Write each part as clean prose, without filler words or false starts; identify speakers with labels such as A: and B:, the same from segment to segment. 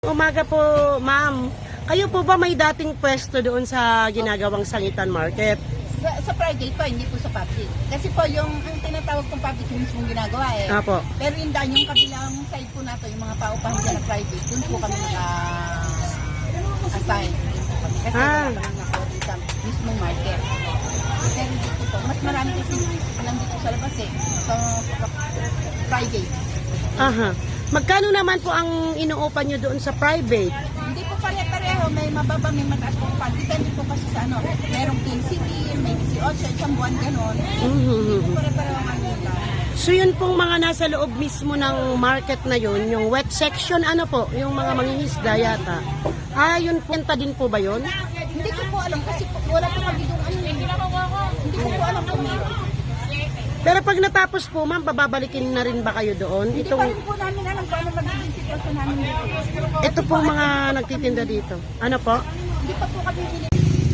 A: Umaga po, ma'am. Kayo po ba may dating pwesto doon sa ginagawang Sangitan Market?
B: Sa private po, hindi po sa public. Kasi po yung ang tinatawag kong public yung mismong ginagawa eh.
A: Apo.
B: Pero yung daan, yung kabilang side po nato, yung mga paupahan dyan na private, dun po kami naka-assign. Kasi wala kami naka-order sa mismong market. Pero dito po, mas marami kasi lang dito sa labas eh. So, private.
A: Aha. Magkano naman po ang inuupan nyo doon sa private?
B: Hindi po pare-pareho, may mababa, may mataas po pa. Depende po kasi sa ano, merong 15 din, may 18, isang buwan gano'n. Hindi po pare-pareho ang kanila.
A: So yun pong mga nasa loob mismo ng market na yun, yung wet section, ano po, yung mga mangingisda yata. Yun punta din po ba yun?
B: Hindi ko po alam kasi po, wala po kami doon ano. Hindi ko po alam kung meron.
A: Pero pag natapos po, ma'am, bababalikin na rin ba kayo doon?
B: Hindi pa rin po namin alam kung ano magiging sitwasyon namin dito.
A: Ito pong mga nagtitinda dito. Ano po?
B: Hindi pa po kami binili.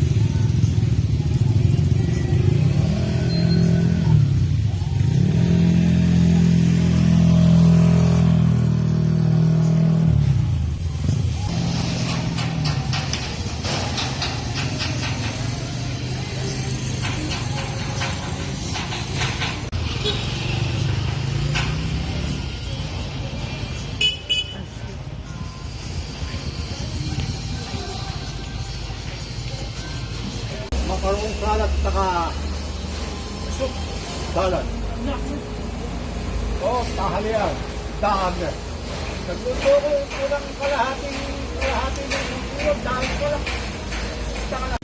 C: Makarong salad saka soup salad. Oh, tahalian. Dami. Nagluto ko kulang kalahati ng ulo. Dami ko lang. Saka lang.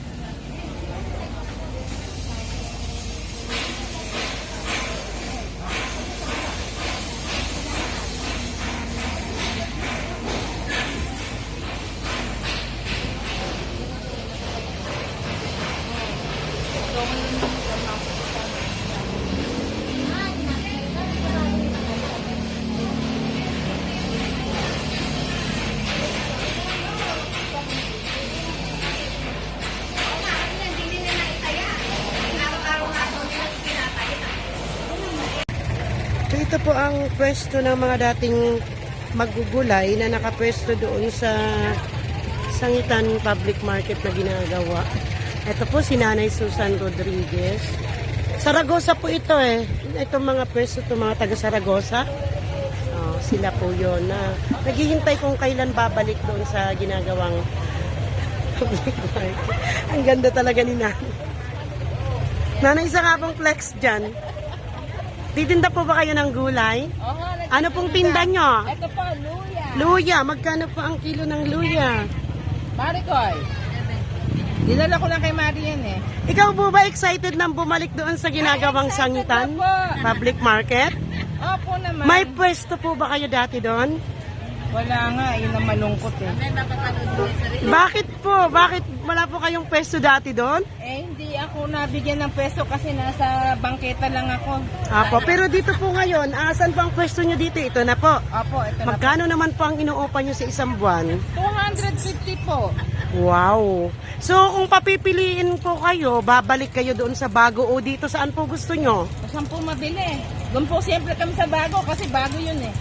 A: So ito po ang pwesto ng mga dating magugulay na nakapwesto doon sa Sangitan Public Market na ginagawa. Ito po si Nanay Susan Rodriguez. Saragosa po ito eh. Itong mga pwesto, itong mga taga Saragosa. Sila po yun na naghihintay kung kailan babalik doon sa ginagawang public market. Ang ganda talaga ni Nanay. Nanay, isa nga pong flex dyan. Titinda po ba kayo ng gulay? Ano pong tinda nyo?
B: Ito po, luya.
A: Luya. Magkano po ang kilo ng luya?
B: Maricoy. Dinala ko lang kay Mari yan eh.
A: Ikaw po ba excited nang bumalik doon sa ginagawang Sangitan Public Market?
B: Opo naman.
A: May pwesto po ba kayo dati doon?
B: Wala nga, yun ang malungkot eh.
A: Bakit po? Bakit wala po kayong pwesto dati doon?
B: Eh, hindi ako nabigyan ng pwesto kasi nasa bangketa lang ako.
A: Apo, pero dito po ngayon, asan po ang pwesto nyo dito? Ito na po.
B: Opo, ito na po.
A: Magkano naman po ang inuupa nyo sa isang buwan?
B: 250 po.
A: Wow! So, kung papipiliin po kayo, babalik kayo doon sa bago o dito saan po gusto nyo?
B: Saan po mabili? Doon po siyempre kami sa bago kasi bago yun eh.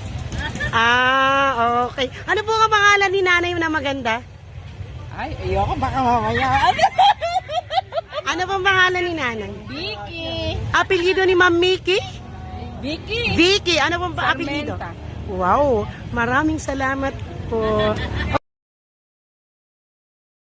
A: Okay. Ano po ang pangalan ni nanay na maganda?
B: Ay, ayoko baka mamaya.
A: Ano pong pangalan ni nanay?
B: Vicky.
A: Apelyido ni Ma'am Mickey?
B: Vicky.
A: Vicky. Ano pong apelyido?
B: Sarmenta.
A: Wow. Maraming salamat po.